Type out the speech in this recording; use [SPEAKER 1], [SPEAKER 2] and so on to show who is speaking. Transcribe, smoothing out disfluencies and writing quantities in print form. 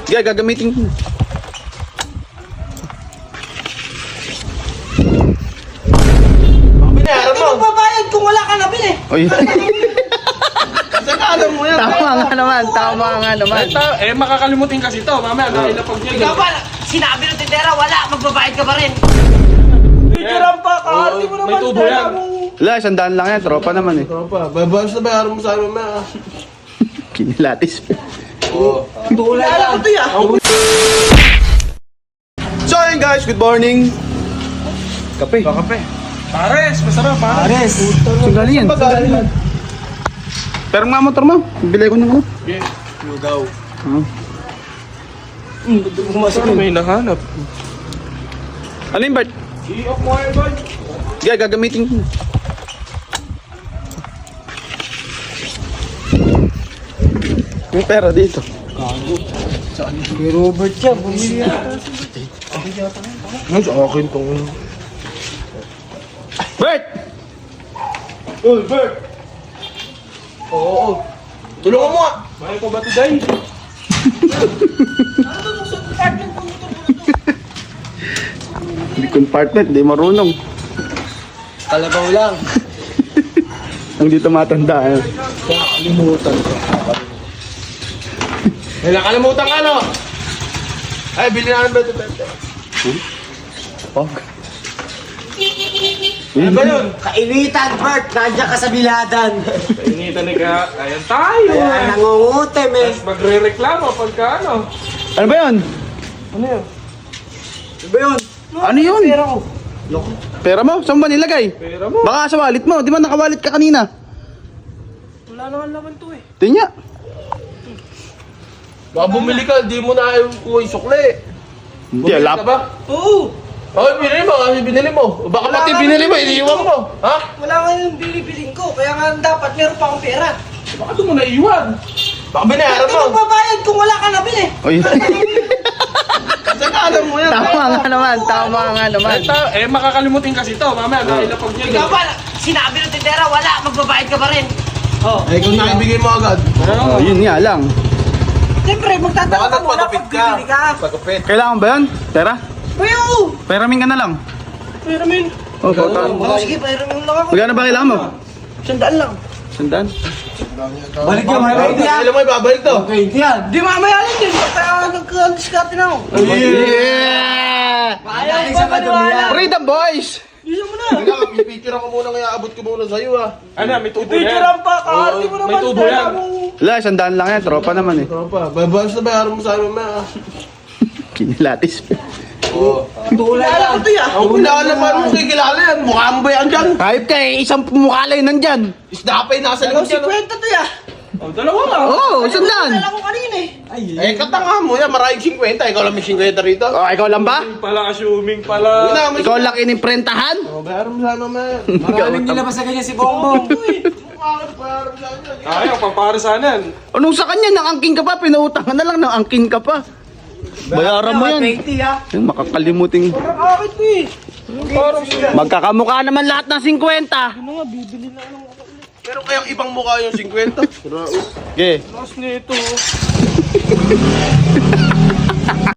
[SPEAKER 1] Sige, gagamitin ko.
[SPEAKER 2] Binayaran mo. Hindi babayad kung wala ka nabili.
[SPEAKER 1] Oy.
[SPEAKER 2] Saan alam mo yan?
[SPEAKER 1] Tama nga naman, tama nga naman.
[SPEAKER 3] Makakalimutin kasi to. Mamaya, nakilapag niya.
[SPEAKER 2] Ikaw ba? Sinabi ng tindera, wala. Magbabayad ka pa rin. Tigiran pa. Kahati mo naman.
[SPEAKER 3] May tubo yan.
[SPEAKER 1] Wala, 100 lang yan. Tropa naman eh.
[SPEAKER 4] Tropa, babayos na bayaran mo sa amin mamaya.
[SPEAKER 1] Kinilatis.
[SPEAKER 2] Wala ko to ya.
[SPEAKER 1] So ayun guys, good morning. Kape.
[SPEAKER 3] Kape. Pares, masarap pares.
[SPEAKER 1] Saan galing yan? Pero nga motor mo, bilay ko ng ano.
[SPEAKER 3] Okay. Lugaw.
[SPEAKER 4] Saan may nahanap?
[SPEAKER 1] Ano yung Bert?
[SPEAKER 3] I-off mo kayo, boy.
[SPEAKER 1] Sige, gagamitin ko. May pera dito.
[SPEAKER 4] Kay Robert siya, bumili yata. Ano sa akin tong...
[SPEAKER 1] Bert!
[SPEAKER 4] Uy, Bert! Oo. Tulungan mo nga!
[SPEAKER 3] May ko ba today?
[SPEAKER 1] Hindi compartment, hindi marunong.
[SPEAKER 4] Kalabaw lang.
[SPEAKER 1] Ang dito matanda. Eh.
[SPEAKER 4] Limutan ko.
[SPEAKER 3] May nakalimutan ka, no?
[SPEAKER 4] Ay, bilhin namin ba ito?
[SPEAKER 1] Pog.
[SPEAKER 3] Ano ba yun?
[SPEAKER 2] Kainitan, Bert. Nandiyan ka sa biladan.
[SPEAKER 3] Painitan ni ka. Ayan tayo, eh.
[SPEAKER 2] Nangungutim eh.
[SPEAKER 3] Tapos magre-reklamo pagka ano.
[SPEAKER 1] Ano ba yun?
[SPEAKER 3] Ano yun?
[SPEAKER 2] Ano ba yun?
[SPEAKER 1] Ano yun?
[SPEAKER 2] Pera ko.
[SPEAKER 1] Pera mo? Saan ba nilagay?
[SPEAKER 3] Pera mo.
[SPEAKER 1] Baka sa wallet mo. Di ba nakawalit ka kanina?
[SPEAKER 2] Wala naman naman to eh.
[SPEAKER 1] Tingnan.
[SPEAKER 4] Baka bumili ka, di mo na ayaw ko yung sukli.
[SPEAKER 1] Hindi,
[SPEAKER 4] Bumili
[SPEAKER 1] alap.
[SPEAKER 4] ka ba?
[SPEAKER 2] Oo.
[SPEAKER 4] Ay, binili mo kasi binili mo. Baka pati
[SPEAKER 2] Wala
[SPEAKER 4] binili mo,
[SPEAKER 2] nga.
[SPEAKER 4] iniiwan mo. Ha?
[SPEAKER 2] Wala nga yung bilibilin ko. Kaya nga dapat meron pa akong pera.
[SPEAKER 3] Baka doon mo naiwan.
[SPEAKER 4] Baka binayaran
[SPEAKER 2] Hindi
[SPEAKER 4] mo.
[SPEAKER 2] magbabayad kung wala ka nabili.
[SPEAKER 1] Oy.
[SPEAKER 4] Saan alam mo yan?
[SPEAKER 1] Tama nga naman, tama nga naman.
[SPEAKER 3] Makakalimutin kasi to. Mamaya, nakilapag niya.
[SPEAKER 2] Ikaw ba? Sinabi ng tindera, wala. Magbabayad ka pa rin. Oh.
[SPEAKER 4] Ay, kung nakibigay mo agad.
[SPEAKER 1] Oh, yun nga lang.
[SPEAKER 2] Siyempre, magtatanong ka muna pag bibili ka.
[SPEAKER 4] Pagkapit.
[SPEAKER 1] Kailangan ba yun? Pera?
[SPEAKER 2] Uy, oo.
[SPEAKER 1] Peramin ka na lang.
[SPEAKER 2] Pera min.
[SPEAKER 1] Oh, pautan.
[SPEAKER 2] Oh, sige, pera min lang ako.
[SPEAKER 1] Magkano ba kailangan mo?
[SPEAKER 2] 100 lang.
[SPEAKER 1] 100?
[SPEAKER 2] Balik ka,
[SPEAKER 4] Kailan mo ibabalik to?
[SPEAKER 2] Di mamaya lang din. Kaya nagka-discarte na ako.
[SPEAKER 1] Yeah!
[SPEAKER 2] Ayaw ba maniwala?
[SPEAKER 1] Freedom boys!
[SPEAKER 2] Bisa mo na.
[SPEAKER 4] Kailangan, pipicture ako muna kaya abot ko muna sa'yo ha.
[SPEAKER 3] Ano, may tubo yan.
[SPEAKER 2] Picturean pa. Kahati mo naman.
[SPEAKER 3] May tubo yan.
[SPEAKER 1] Wala, 100 lang yan. Tropa naman eh.
[SPEAKER 4] Tropa, babayos na bayaran mo sa amin mamaya.
[SPEAKER 1] Kinilatis.
[SPEAKER 2] Wala ko to ya.
[SPEAKER 4] Ang kilala pa mo kikilala yan. Mukha mo ba yan dyan?
[SPEAKER 1] Kahit ka eh, isang pumukalay nandyan.
[SPEAKER 4] Isda pa yung nasa
[SPEAKER 2] Ikaw
[SPEAKER 4] likod yan.
[SPEAKER 2] 50 to ya.
[SPEAKER 3] Oh, dalawa nga.
[SPEAKER 1] Oo, 100.
[SPEAKER 2] Dala ko kanina eh.
[SPEAKER 4] Eh, katanga mo yan. Maraming 50. Ikaw lang may 50 rito.
[SPEAKER 1] Oh, ikaw lang ba?
[SPEAKER 3] Assuming pala.
[SPEAKER 4] Ikaw
[SPEAKER 1] Ikaw lang inimprentahan?
[SPEAKER 4] Oh, bayaran mo sana mamaya.
[SPEAKER 2] Maraming nilabas sa kanya si Bongbong.
[SPEAKER 4] Bayaran mo sana.
[SPEAKER 3] Ayaw, pamparasanan.
[SPEAKER 1] Anong sa kanya? Nangangking ka pa? Pinautangan na lang, nangangking ka pa. Bayaran mo yan.
[SPEAKER 2] 20 ha.
[SPEAKER 1] Yung makakalimuting.
[SPEAKER 2] Parang akit ko eh.
[SPEAKER 1] Magkakamukha naman lahat ng 50.
[SPEAKER 4] Pero kayang ibang mukha yung 50.
[SPEAKER 1] Okay.
[SPEAKER 3] Mas nito.